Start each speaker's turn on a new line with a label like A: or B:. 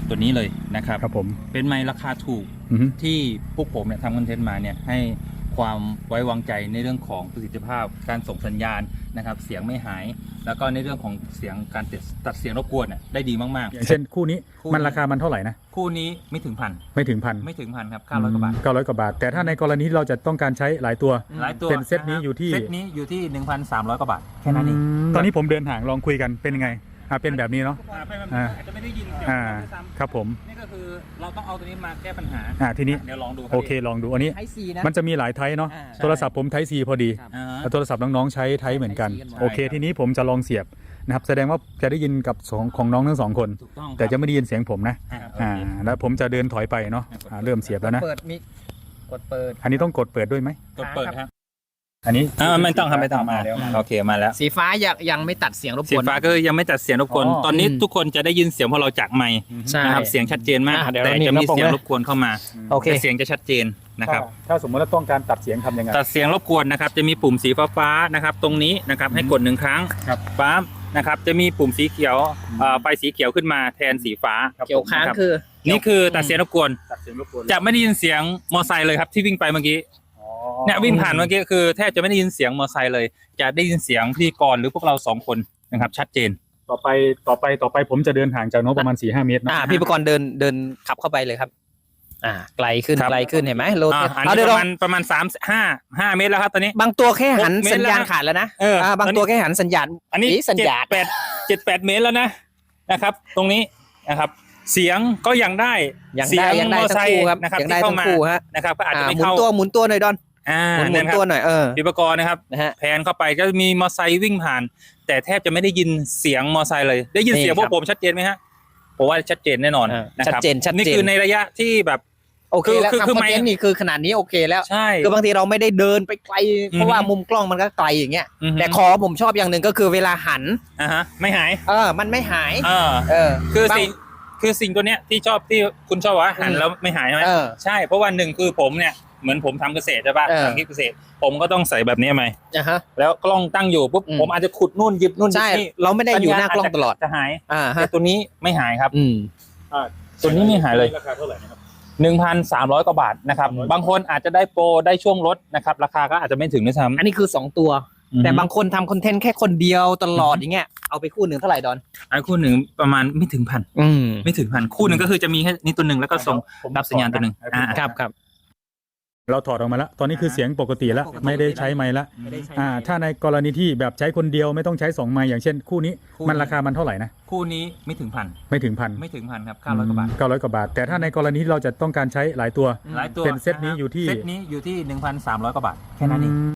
A: ตัวนี้เลยนะครับ
B: ครับผม
A: เป็นไมค์ราคาถูกที่พวกผมเนี่ยทำคอนเทนต์มาเนี่ยให้ความไว้วางใจในเรื่องของประสิทธิภาพการส่งสัญญาณนะครับเสียงไม่หายแล้วก็ในเรื่องของเสียงการตัดเสียงรบกวนเนี่ยได้ดีมากๆ
B: อย่างเช่นคู่นี้มันราคามันเท่าไหร่นะ
A: คู่นี้ไม่ถึงพัน
B: ไม่ถึงพัน
A: ครับ900 กว่าบาท
B: 900 กว่าบาทแต่ถ้าในกรณีเราจะต้องการใช้หลายตัวเป็นเซตนี้อยู่ที่
A: 1,300 กว่าบาทแค่นั้นเอง
B: ตอนนี้ผมเดินห่างลองคุยกันเป็นยังไงเป็นแบบนี้เนาะ
A: อาจจะไม่ได้ยินเสียง
B: ครับผม
A: นี่ก็คือเราต้องเอาตัวนี้มาแก้ปัญหา
B: ทีนี้
A: เดี๋ยวลองดู
B: โอเคลองดูอันนี้มันจะมีหลายไทป์เนาะโทรศัพท์ผมไทป์ C พอดีโทรศัพท์น้องๆใช้ไทป์เหมือนกันโอเคทีนี้ผมจะลองเสียบนะครับแสดงว่าจะได้ยินกับของน้องทั้ง2 คนแต่จะไม่ได้ยินเสียงผมนะแล้วผมจะเดินถอยไปเนาะเริ่มเสียบแล้วนะ
C: เปิดมิกกดเปิด
B: อันนี้ต้องกดเปิดด้วยไหม
A: กดเปิดครับ
B: อันนี้
A: ไม่ต้องครับไม่ต้องมาโอเคมาแล้ว
C: สีฟ้ายังไม่ตัดเสียงรบกวน
A: สีฟ้าก็ยังไม่ตัดเสียงรบกวนตอนนี้ทุกคนจะได้ยินเสียงพอเราจากไมค์นะครับเสียงชัดเจนมากแต่จะมีเสียงรบกวนเข้ามา
C: โอเค
A: เสียงจะชัดเจนนะครับ
B: ถ้าสมมติว่าต้องการตัดเสียงทำยังไง
A: ตัดเสียงรบกวนนะครับจะมีปุ่มสีฟ้านะครับตรงนี้นะครับให้กด1 ครั้งปั๊บนะครับจะมีปุ่มสีเขียวไฟสีเขียวขึ้นมาแทนสีฟ้า
C: เขียวค้างคือ
A: นี่คือตัดเสียงรบกวนจะไม่ได้ยินเสียงมอไซค์เลยครับที่วิ่งไปเมื่อกี้เนี่ยวิ่งผ่านเมื่อกี้คือแทบจะไม่ได้ยินเสียงมอไซค์เลยจะได้ยินเสียงพิธีกรหรือพวกเรา2 คนนะครับชัดเจน
B: ต่อไปผมจะเดินห่างจากน้องประมาณ 4-5 เมตรนะ
C: พี่ประกรณ์เดินขับเข้าไปเลยครับไกลขึ้นเห็นไหมโล
A: อันนี้ประมาณ3-5 เมตรแล้วครับตอนนี้
C: บางตัวแค่หันสัญญาณขาดแล้วนะบางตัวแค่หันสัญญาณ
A: อันนี้
C: สัญญาณ
A: 7-8 เมตรแล้วนะครับตรงนี้นะครับเสียงก็ยังได้
C: เสียงมอไซค์
A: นะครับที่เข้ามานะครับก็อาจจะไม่เข้า
C: หมุนตัวหน่อยดอนหมุนตัวหน่อย
A: พิปกรณ์นะครับแผนเข้าไปก็มีมอไซค์วิ่งผ่านแต่แทบจะไม่ได้ยินเสียงมอไซค์เลยได้ยินเสียงพวกผมชัดเจนไหมฮะผมว่าชัดเจนแน่นอน
C: ชัดเจน
A: นี่คือในระยะที่แบบ
C: โอเคแล้วคือไมค์นี่คือขนาดนี้โอเคแล้ว
A: ใช่
C: คือบางทีเราไม่ได้เดินไปไกลเพราะว่ามุมกล้องมันก็ไกลอย่างเงี้ยแต่คอผมชอบอย่างหนึ่งก็คือเวลาหัน
A: ไม่หาย
C: มันไม่หาย
A: คือสิ่งตัวเนี้ยที่ชอบที่คุณชอบว่าหันแล้วไม่หายใช่ไหมใช่เพราะว่า1คือผมเนี่ยเหมือนผมทำเกษตรใช่ป่ะทำคลิปเกษตรผมก็ต้องใส่แบบนี้ไหมแล้วกล้องตั้งอยู่ปุ๊บผมอาจจะขุดนู่นหยิบนู่น
C: ใช่เราไม่ได้อยู่หน้ากล้องตลอด
A: จะหายแต่ตัวนี้ไม่หายครับตัวนี้ไม่หายเลยราคาเท่าไหร่นะครับ1,300 กว่าบาทนะครับบางคนอาจจะได้โปรได้ช่วงลดนะครับราคาก็อาจจะไม่ถึงด้วยซ้ำ
C: อันนี้คือ2 ตัวแต่บางคนทำคอนเทนต์แค่คนเดียวตลอดอย่างเงี้ยเอาไปคู่หนึ่งเท่าไหร่ดอน
A: คู่หนึ่งประมาณไม่ถึงพันไม่ถึงพันคู่หนึ่งก็คือจะมีแค่นี้ตัวหนึ่งแล้วก็ส่งรับสัญญาณตัวหนึ่ง
C: ครับ
B: เราถอดออกมาแล้วตอนนี้คือเสียงปกติแล้วไม่ได้ใช้ไมค์แล้วถ้าในกรณีที่แบบใช้คนเดียวไม่ต้องใช้2 ไมค์อย่างเช่นคู่นี้มันราคามันเท่าไหร่นะ
A: คู่นี้ไม่ถึงพันครับ900 กว่าบาท
B: 900 กว่าบาทแต่ถ้าในกรณีที่เราจะต้องการใช้หลายตัว
A: เป็น
B: เซตนี้อยู่ที่
A: 1,300 กว่าบาทแค่นั้นเอง